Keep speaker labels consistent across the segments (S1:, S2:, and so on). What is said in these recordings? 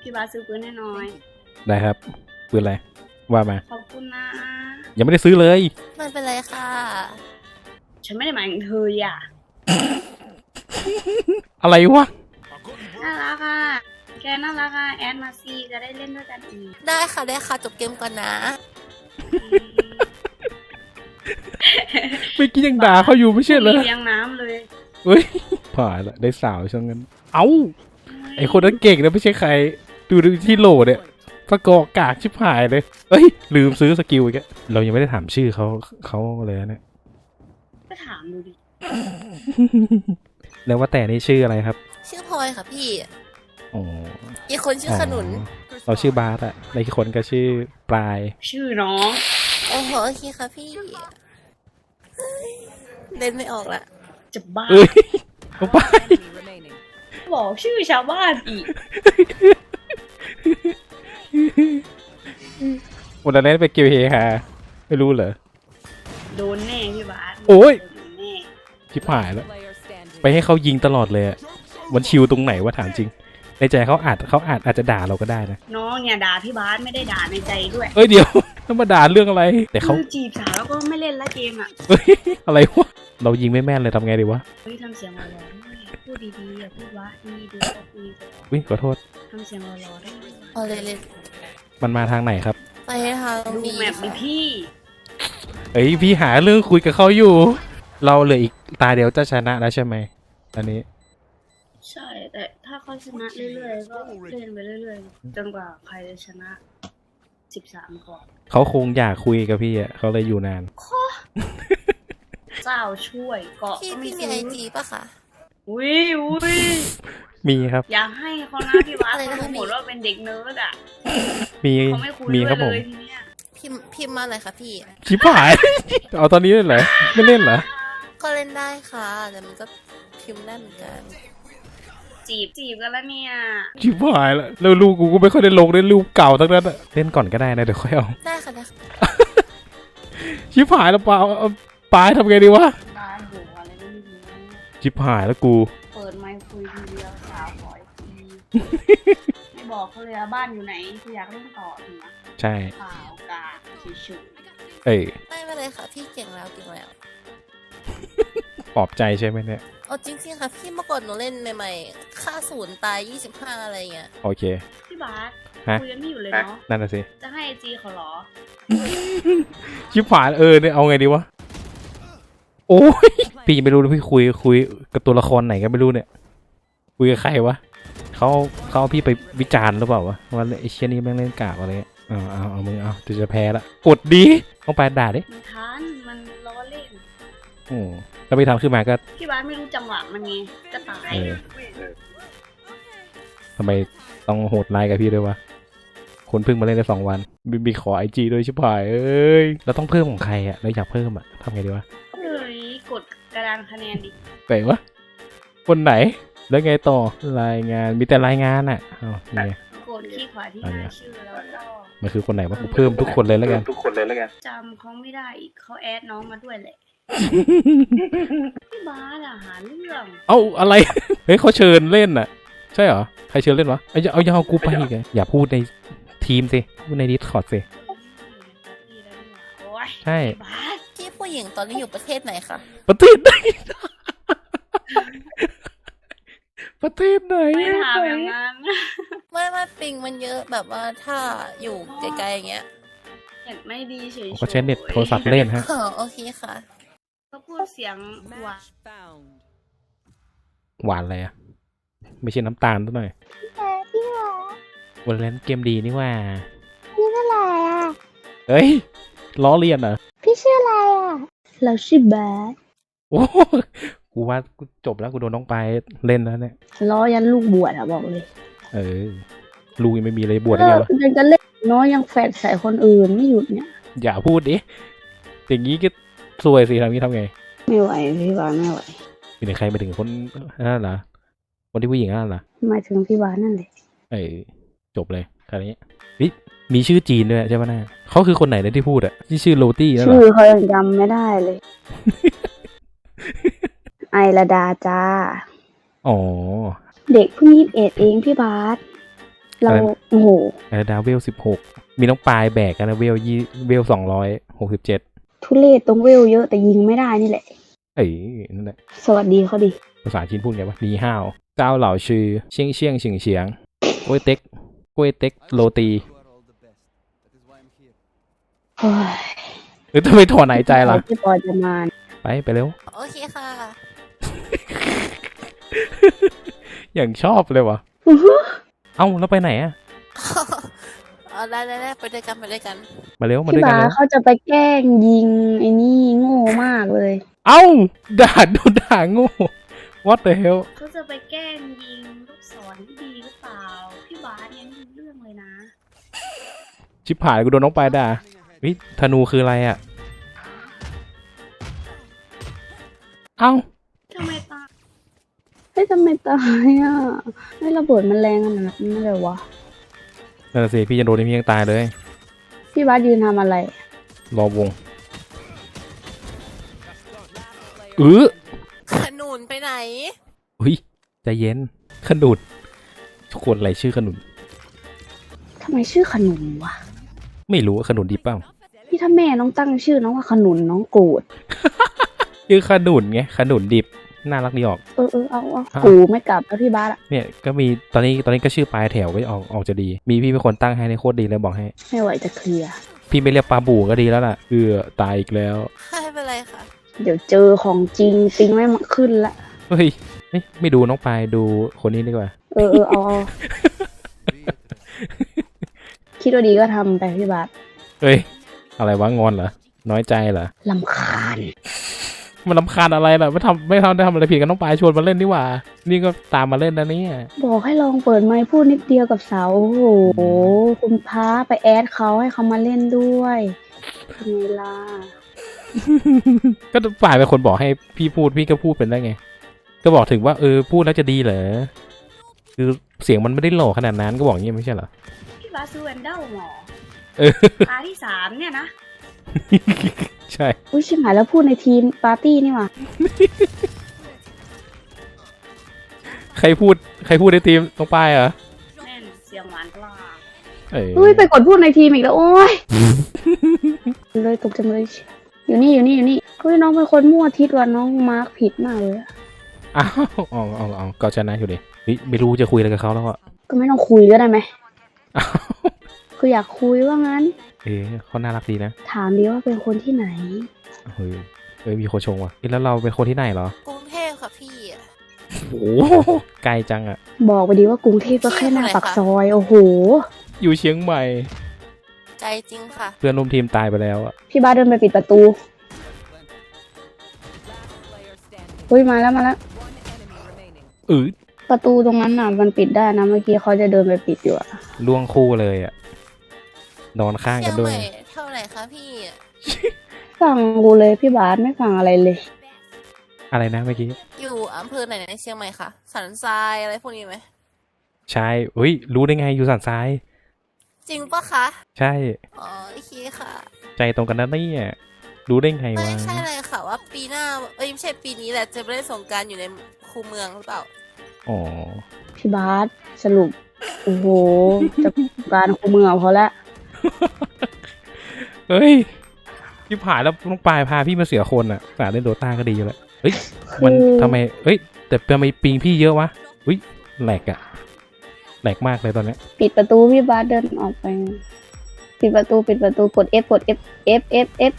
S1: พี่บาสซื้อปืนให้หน่อย
S2: ได้ครับปืนอะไรว่ามา
S1: ขอบคุณนะ
S2: ยังไม่ได้ซื้อเลย
S3: ไม่เป็นไรค่ะ
S1: ฉันไม่ได้หมายถึงเธออ่ะ
S2: อะไรวะ
S1: น่ารักอ่ะแกน่ารักอ่ะแอดมาซีจะได้เล่นด้วยกันอีก
S3: ได้ค่ะได้ค่ะจบเกมก่อนนะ
S2: เมื่อกี้ยังด่าเขาอยู่ไม่ใช่เหรอ
S1: เลี้ยงน้ำเลย
S2: เฮ้ยผ่านละได้สาวช่างนั้นเอ้าไอคนนั้นเก่งนะไม่ใช่ใครดูที่โหลเนี่ยสกอร์กากชิบหายเลยเอ้ยลืมซื้อสกิลอีกแล้วเรายังไม่ได้ถามชื่อเขาเลยนะเนี่ย
S1: ก็ถามดูดิ
S2: แล้วว่าแต่นี่ชื่ออะไรครับ
S3: ชื่อพลอยค่ะพี่
S2: อ๋อ
S3: อีกคนชื่อขนุน
S2: เราชื่อบาสอะในอีกคนก็ชื่อปลาย
S1: ชื่อน้อง
S3: โอ้โหโอเคค่ะพี่เฮ้ยเล่นไม่ออกละ
S1: จะบ้า
S2: เอ้ยเอาไป
S1: บอกชื่อชาวบ้านอีก
S2: วันนั้นไปเกี่ยวเฮฮาไม่รู้เหรอ
S1: โดนแน่พี่บาส
S2: โอ้ย
S1: โดนแน่
S2: ชิบหายแล้วไปให้เขายิงตลอดเลยอะมันชิวตรงไหนวะถามจริง ในใจเขาอาจจะด่าเราก็ได้นะ
S1: น้องเนี่ยด่าพี่บาสไม่ได้ด่าในใจด้วย
S2: เอ้ยเดี๋ยว ต้องมาด่าเรื่องอะไร แต่เขา
S1: คือจีบสาวแล้วก็ไม่เล่นละเกมอ่ะ
S2: เฮ้ยอะไรวะเรายิงไม่แม่นเลยทำไงดีวะ
S1: เฮ้ยทำเสียงหล่อๆด้วยพูดดีๆอย่าพูดว่าดีดูก็คุยกัน
S2: วิขอโทษ
S1: ทำเสียงหล่อๆได้ด้วย
S3: เอาเลยเลย
S2: มันมาทางไหนครับ
S3: ไปทาง
S1: ดู
S3: นี้
S1: แมปดิพี่
S2: เอ้ยพี่หาเรื่องคุยกับเขาอยู่ เราเหลืออีกตาเดียวจะชนะแล้วใช่ไหมอันนี้
S1: ใช่แต่ถ้าเขาชนะเรื่อยๆก็เล่นไปเรื่อยๆจนกว่าใครจะชนะ13ก่อน
S2: เขาคงอยากคุยกับพี่อ่ะเขาเลยอยู่นาน
S1: เจ้าช่วยเกาะ
S3: พี่
S1: ก็ไม่
S3: พี่มี
S1: ซื้
S3: ไอ
S1: อ
S3: จีปะคะ
S1: อุ้ย
S2: มีครับ
S1: อยากให้เขานะพี่วัด
S3: อะไรนะ
S1: เขาหมดว่าเป็นเด็กเนิร์ดอ่ะ
S2: มี
S1: เขาไม่คุย
S2: มี
S1: ด้ว
S2: ครับ
S1: ย
S2: ผ
S1: เล
S2: ม
S1: ยทีเนี้ย
S3: พิมพ์มาหน่อยค่ะพี่
S2: ชิบหาย เอาตอนนี้เลยเหรอไม่เล่นเหรอ
S3: ก็เล่นได้ค่ะ แต่มันก็พิมพ์ได้เหมือนกัน
S1: จีบกันแล้วเนี่ย
S2: ชิบหายแล้วแล้วลูกกูก็ไม่ค่อยได้ลงได้รูปเก่าทั้งนั้นอะเล่นก่อนก็ได้นะเดี๋ยวค่อยเอา
S3: ได้ค่ะได้ค่ะ
S2: ชิบหายแล้วเปล่าเอาปลายทำไงดีวะ
S1: บ้านหัวอะไรก็ไม่รู้
S2: ชิบหายแล้วกู
S1: เปิดไมค์คุยทีเดียวสาวขออีกทีไม่บอกเขาเลยว่าบ้านอยู่ไหนคืออยากเล่นต่อถึงนะ
S2: ใช่
S1: เปล่ากาเฉย
S2: เอ้ย
S3: ไม่เป็นไรค่ะพี่เก่งแล้วเก่งแล้ว
S2: ปลอบใจใช่ไหมเนี่ย
S3: เอาจริงๆค่ะพี่เมื่อก่อนหนูเล่นใหม่ๆค่าศูนย์ตาย25อะไรเงี้ย
S2: โอเค
S1: ๆพี่บาส
S2: ฮะ
S1: คุยกันไม่อยู่เลยเนาะ
S2: นั่นน่ะสิ
S1: จะให้ไอจีเขาเหรอ
S2: ชิบหายเนี่ยเอาไงดีวะโอ้ยพี่ยังไม่รู้เลยพี่คุยกับตัวละครไหนก็ไม่รู้เนี่ยคุยกับใครวะเขาเอาพี่ไปวิจารณ์หรือเปล่าวะว่าไอ้เชี่ยนี่แม่งเล่นกากอะไรเงี้ยเอามึงเอาจะแพ้ละกดดีต้องไปด่าดิ
S1: มันทันมันล้อเล่น
S2: แล้วไปทำขึ้นมาก็
S1: พี่บาสไม่รู้จังหวะมันไงก็ตาย
S2: ทำไมต้องโหดร้ายกับพี่ด้วยวะคนเพิ่งมาเล่นได้2 วันมีขอไอจีด้วยชิบหายเอ้ยเราต้องเพิ่มของใครอะเราอยากเพิ่มอะทำไงดีวะ
S1: เลยกดกระดานคะแนนดิ
S2: ไหนวะคนไหนแล้วไงต่อรายงานมีแต่รายงานอะนี่ไง
S1: กดที่ขวาที่หน้าชื่อแล้วก็
S2: มันคือคนไหนวะกูเพิ่มทุกคนเลยแล้วกัน
S1: จำเขาไม่ได้อีกเขาแอดน้องมาด้วยแหละ พี่บาสอะหาเรื่อง
S2: เอ้าอะไร เฮ้ยเขาเชิญเล่นน่ะ ใช่เหรอใครเชิญเล่นวะเอายังเอากูไปอีกไงอย่าพูดในทีมสิพูดในดิสคอร์ดสิ
S1: โอ้ย
S2: ใช่
S1: บาส
S3: พี่ผู้หญิงตอนนี้อยู่ประเทศไหนคะ
S2: ประเทศไหน ประเทศไหน
S1: ไม่ถามอย่างนั้น
S3: ไม่ปิงมันเยอะแบบว่าถ้าอยู่ไกลๆอย่างเงี้ย
S1: เห็นไม่ดีเฉยๆ
S2: ก็ใช้เน็ตโทรศัพท์เล่นฮะ
S3: อ๋อโอเคค่ะ
S1: ก็พูดเสียงหวาน
S2: หวานอะไรอะไม่ใช่น้ำตาลซะหน่อย
S4: พี่หรอ
S2: วันเล่นเกมดีนี่ว่า
S4: พี่เมื่อไหร่อ่ะ
S2: เฮ้ยล้อเลียนเหรอ
S4: พี่ชื่ออะไรอ่ะ เราชื่อบาส
S2: โอ้กูว่ากูจบแล้วกูโดนน้องไปเล่นแล้วเนี่ย
S4: ล้อยันลูกบวชอ่ะบอกเลย
S2: ลูกยังไม่มีเลยบวชได้
S4: เลิ
S2: ไง
S4: ก
S2: วะ
S4: ยังจะเล่นน้อยยังแฝดใส่คนอื่นไม่หยุดเนี่ย
S2: อย่าพูดดิอย่างนี้ก็ซวยสิทำนี้ทำไง
S4: ไม่ไหวพี่บาสไม่ไหว
S2: มีใครไปถึงคนนั่นเหรอคนที่ผู้หญิงนั่นเหรอ
S4: หมายถึงพี่บาสนั่นแหละ
S2: จบเลยคราวนี้มีชื่อจีนด้วยใช่ไหมน่าเขาคือคนไหนนะที่พูดอะที่ชื่อโรตี้นั่นเหร
S4: ชื่อ
S2: อ
S4: เขายังจำไม่ได้เลย ไอระดาจ้า
S2: อ๋อ
S4: เด็กเพิ่ง21เองพี่บาสเรา
S2: อะไร
S4: โอ้โห
S2: ดาวเวล16มีน้องปลายแบกกันนะเวล267
S4: ทุเรศตรงเวลเยอะแต่ยิงไม่ได้นี่แหละ
S2: เอ้ยนั่นแหละ
S4: สวัสดีเขาดิ
S2: ภาษาจีนพูดไงวะนีห้าวเจ้าเหล่าชื่อเชียงเชียงเฉียงเฉียงกล้วยเต็กโรตี
S4: โอ้ย
S2: หรือทำไมถอนหายใจล่ะ
S4: พี่ปอจะมา
S2: ไปเร็ว
S3: โอเคค่ะ
S2: อย่างชอบเลยวะเอ้าแล้วไปไหนอะ
S3: เอาได้ไปด้วยกัน
S2: มาเร็วมา
S4: พี่
S2: ด้วยกัน
S4: บา
S2: เร็ว
S4: เขาจะไปแกล้งยิงไอ้นี่โง่มากเลย
S2: เอ้าโดนด่าโง่ what the hell
S1: เขาจะไปแกล้งยิงลูกศรที่ดีหรือเปล่า พี่บาสยังไม่รู้เรื่องเลยนะ
S2: ชิบหายกูโดนน้องปลายด่าวิธนูคืออะไรอะเอ้า
S1: ทำไมตา
S4: เฮ้ยทำไมตายอ่ะไม่ระเบิดมันแรงขนาดนั้นเลยวะ
S2: นั่นนะสิพี่จะโดนพี่ยังตายเลย
S4: พี่บาสยืนทำอะไร
S2: รอวง
S3: ขนุนไปไหน
S2: อุ้ยใจเย็นขนุนทุกคนอะไรชื่อขนุน
S4: ทำไมชื่อขนุนวะ
S2: ไม่รู้ว่าขนุนดีเปล่า
S4: พี่ถ้าแม่น้องตั้งชื่อน้องว่าขนุนน้องโกรธ
S2: ชื่อขนุนไงขนุนดิบน่ารักดีออก
S4: เอากูไม่กลับแล้วพี่บาสอะ
S2: เนี่ยก็มีตอนนี้ก็ชื่อปลายแถวก็ออกจะดี มีพี่เป็นคนตั้งให้ในโคตรดีเลยบอกให้
S4: ไม่ไหวจะเคลียร์
S2: พี่ไม่เรียกปลาบูก็ดีแล้วล่ะตายอีกแล้ว
S3: ไม่เป็นไรค่ะ
S4: เดี๋ยวเจอของจริงปิงไม่มาขึ้นละ
S2: เฮ้ยไม่ดูน้องปลายดูคนนี้ดีกว่า
S4: เอา คิดว่าดีก็ทำไปพี่บาส
S2: เฮ้ยอะไรวะงอนเหรอน้อยใจเหรอ
S4: ลำคาญ
S2: มันรำคาญอะไรล่ะไม่ทำอะไรผิดกันน้องปลายชวนมาเล่นนี่หว่า นี่ก็ตามมาเล่นนะเนี่ย
S4: บอกให้ลองเปิดไมค์พูดนิดเดียวกับสาวโอ้โหคุณพาไปแอดเขาให้เขามาเล่นด้วยเป็นไงล่ะ
S2: ก็ปลายเป็นคนบอกให้พี่พูดพี่ก็พูดเป็นได้ไง ก็บอกถึงว่าพูดแล้วจะดีเหรอคือเสียงมันไม่ได้หล่อขนาดนั้นก็บอกอย่างนี้ไม่ใช่เหรอ
S1: พี่บาสซื้อแวนเดลหมอ
S2: เออ
S1: ตาที่3เนี่ยนะ
S2: ใช่
S4: อุ้ยชิบหายแล้วพูดในทีมปาร์ตี้นี่หว่า
S2: ใครพูดในทีมน้องปลายเหรอ
S1: แม่นเสียงหวานปลา
S4: อุ้ยไปกดพูดในทีมอีกแล้วโอ้ย เลยตกจังเลยอยู่นี่เฮ้ยน้องเป็นคนมั่วทิศว่ะน้องมาร์คผิดมากเลยอะ
S2: อ้าวเอาก็ชนะอยู่ดิไม่รู้จะคุยอะไรกับเขาแล้วอ่ะ
S4: ก็ไม่ต้องคุยก็ได้ไหม
S2: อ้าว
S4: คืออยากคุยว่างั้น
S2: เขาน่ารักดีนะ
S4: ถามดีว่าเป็นคนที่ไหน
S2: เฮ้ยมีคนชงว่ะแล้วเราเป็นคนที่ไหนเหรอก
S3: รุงเทพค่ะพี่
S2: โอ้โหไกลจังอ่ะ
S4: บอกไปดีว่ากรุงเทพก็แค่หน้าปากซอยโอ้โห
S2: อยู่เชียงใหม่
S3: ใจจริงค่ะ
S2: เพื่อนร่วมทีมตายไปแล้วอ่ะ
S4: พี่บ้าสเดินไปปิดประตูอุ้ยมาแล้ว ประตูตรงนั้นน่ะมันปิดได้นะเมื่อกี้เขาจะเดินไปปิดอยู่อะ
S2: ล่วงคู่เลยอ่ะนอนข้าง
S3: เชี
S2: กั
S3: ย
S2: น
S3: ง
S2: ด้
S3: ให
S2: วย
S3: ม่เท่าไหร่คะพี่
S4: ฟังกูเลยพี่บาสไม่ฟังอะไรเลย
S2: อะไรนะเมื่อกี้
S3: อยู่อำเภอไหนในเชียงใหม่คะสันทรายอะไรพวกนี้ไหม
S2: ใช่รู้ได้ไงอยู่สันทราย
S3: จริงปะคะ
S2: ใช่
S3: อ๋อโอเคค่ะ
S2: ใจตรงกันนะเนี่ยรู้ได้ไง
S3: ไม่
S2: วะ
S3: ใช่เลยค่ะว่าปีหน้าไม่ใช่ปีนี้แหละจะไปเล่นสงกรารอยู่ในคูเมืองหรือเปล่า
S2: อ๋อ
S4: พี่บาสสรุปโอ้โหจะการคูเมืองพอละ
S2: เฮ้ยที่ผ่านแล้วน้องปลายพาพี่มาเสียคนอ่ะสาเล่นโดต้าก็ดีอยู่แล้วเฮ้ยมันทำไมแต่ทำไมปิงพี่เยอะวะแหลกอะแหลกมากเลยตอนนี้
S4: ปิดประตูพี่บาสเดินออกไป ปิดประตูกด F กด F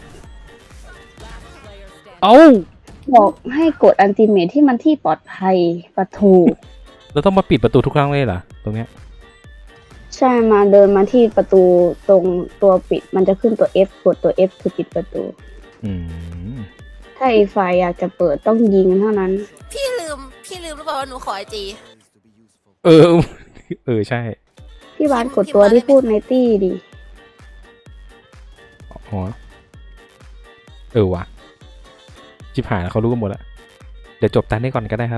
S2: เอ้า
S4: บอกให้กดอันติเมทที่มันที่ปลอดภัยประตู
S2: เราต้องมาปิดประตูทุกครั้งเลยเหรอตรงเนี้ย
S4: ใช่มาเดินมาที่ประตูตรงตัวปิดมันจะขึ้นตัว F กดตัว F คือปิดประตู
S2: อืม
S4: ถ้าอีกฝ่ายอยากจะเปิดต้องยิงเท่านั้น
S3: พี่ลืมหรือเปล่าว่าหนูขอไอจี
S2: ใช่
S4: พี่บาสกดตัวที่พูดในตี้ดิ
S2: อ๋อว่ะจิบหายแล้วเขารู้กันหมดแล้วเดี๋ยวจบตานี้ก่อนก็ได้ครับ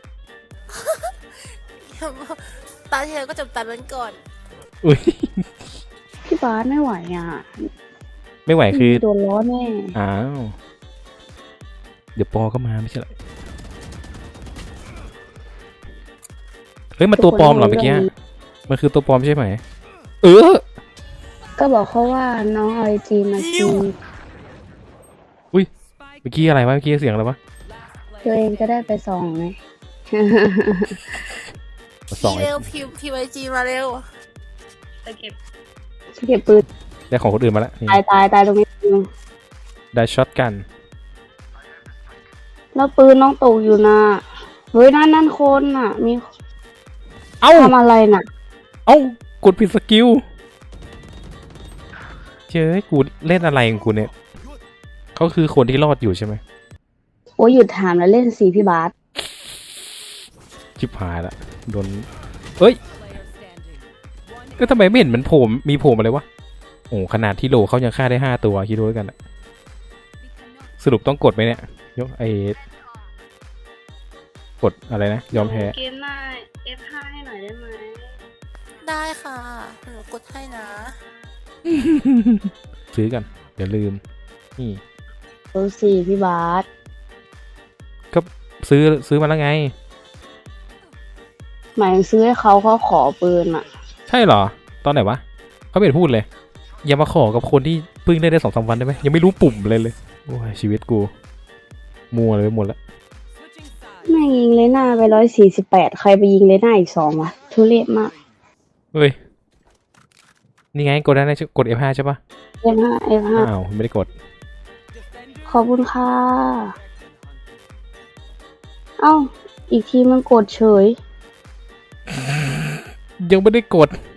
S3: ตาเธอก็จบตันนั้นก่อน
S2: อุ้ย
S4: พี่บาสไม่ไหวอ่ะ
S2: ไม่ไหวคือ
S4: โดนล้อแน่
S2: อ้าวเดี๋ยวปอก็มาไม่ใช่เหรอเฮ้ยมาตัวปลอมเหรอเมื่อกี้มันคือตัวปลอมใช่ไหม เออ
S4: ก็บอกเขาว่าน้องเอาไอจีมาจีบ
S2: อุ้ย เมื่อกี้อะไรวะ เมื่อกี้เสียงอะไรวะ
S4: ตัวเองจะได้ไปส่องไง
S2: สอง
S3: พี่เร็วพิมพ์ไอจีมาเร็ว
S1: ไปเก็บ
S4: เก็บปืน
S2: ได้ของคนอื่นมาแล้วนี่
S4: ตายตรงนี้
S2: ได้ช็อตกัน
S4: แล้วปืนน้องตกอยู่นะเฮ้ยนั่นคนน่ะ มี
S2: เอ้า
S4: ทำอะไรน่ะ
S2: เอ้ากดผิดสกิลเจ้ยกูเล่นอะไรของกูเนี่ยเขาคือคนที่รอดอยู่ใช่ไหม
S4: โอ้ยหยุดถามแล้วเล่นสีพี่บาส
S2: ชิบหายละโดนเอ้ยก็ทำไมไม่เห็นมันโผล่มีโผล่มาเลยวะโอ้ขนาดที่โลเขายังฆ่าได้5 ตัวคิดดูแล้วกันอะสรุปต้องกดไหมเนี่ยยกกดอะไรนะ ยอมแพ้
S1: เกมหน้า F5 ให้หน่อยได้ไหม
S3: ได้ค่ะหนูกดให้นะ
S2: ซื้อกันเดี๋ยวลืม นี่
S4: ดูสีพี่บาส
S2: ก็ซื้อมาแล้วไง
S4: หมายถึงซื้อให้เขาขอปืนอ่ะ
S2: ใช่เหรอ ตอนไหนวะเขาไม่เห็นพูดเลย อย่ามาขอกับคนที่เพิ่งได้2-3 วันได้ไหมยังไม่รู้ปุ่มเลยโอ้ยชีวิตกู มัวเลยไปหมดแล้ว
S4: แม่งยิงเลยหน้าไป148ใครไปยิงเลยหน้าอีก2วะทุเรศมาก
S2: เฮ้ย นี่ไงกดได้นะกด F5 ใช่ปะ
S4: F5 F5
S2: อ้าวไม่ได้กด
S4: ขอบคุณค่ะ เอ้า อีกทีมันกดเฉย
S2: ยังไม่ได้กด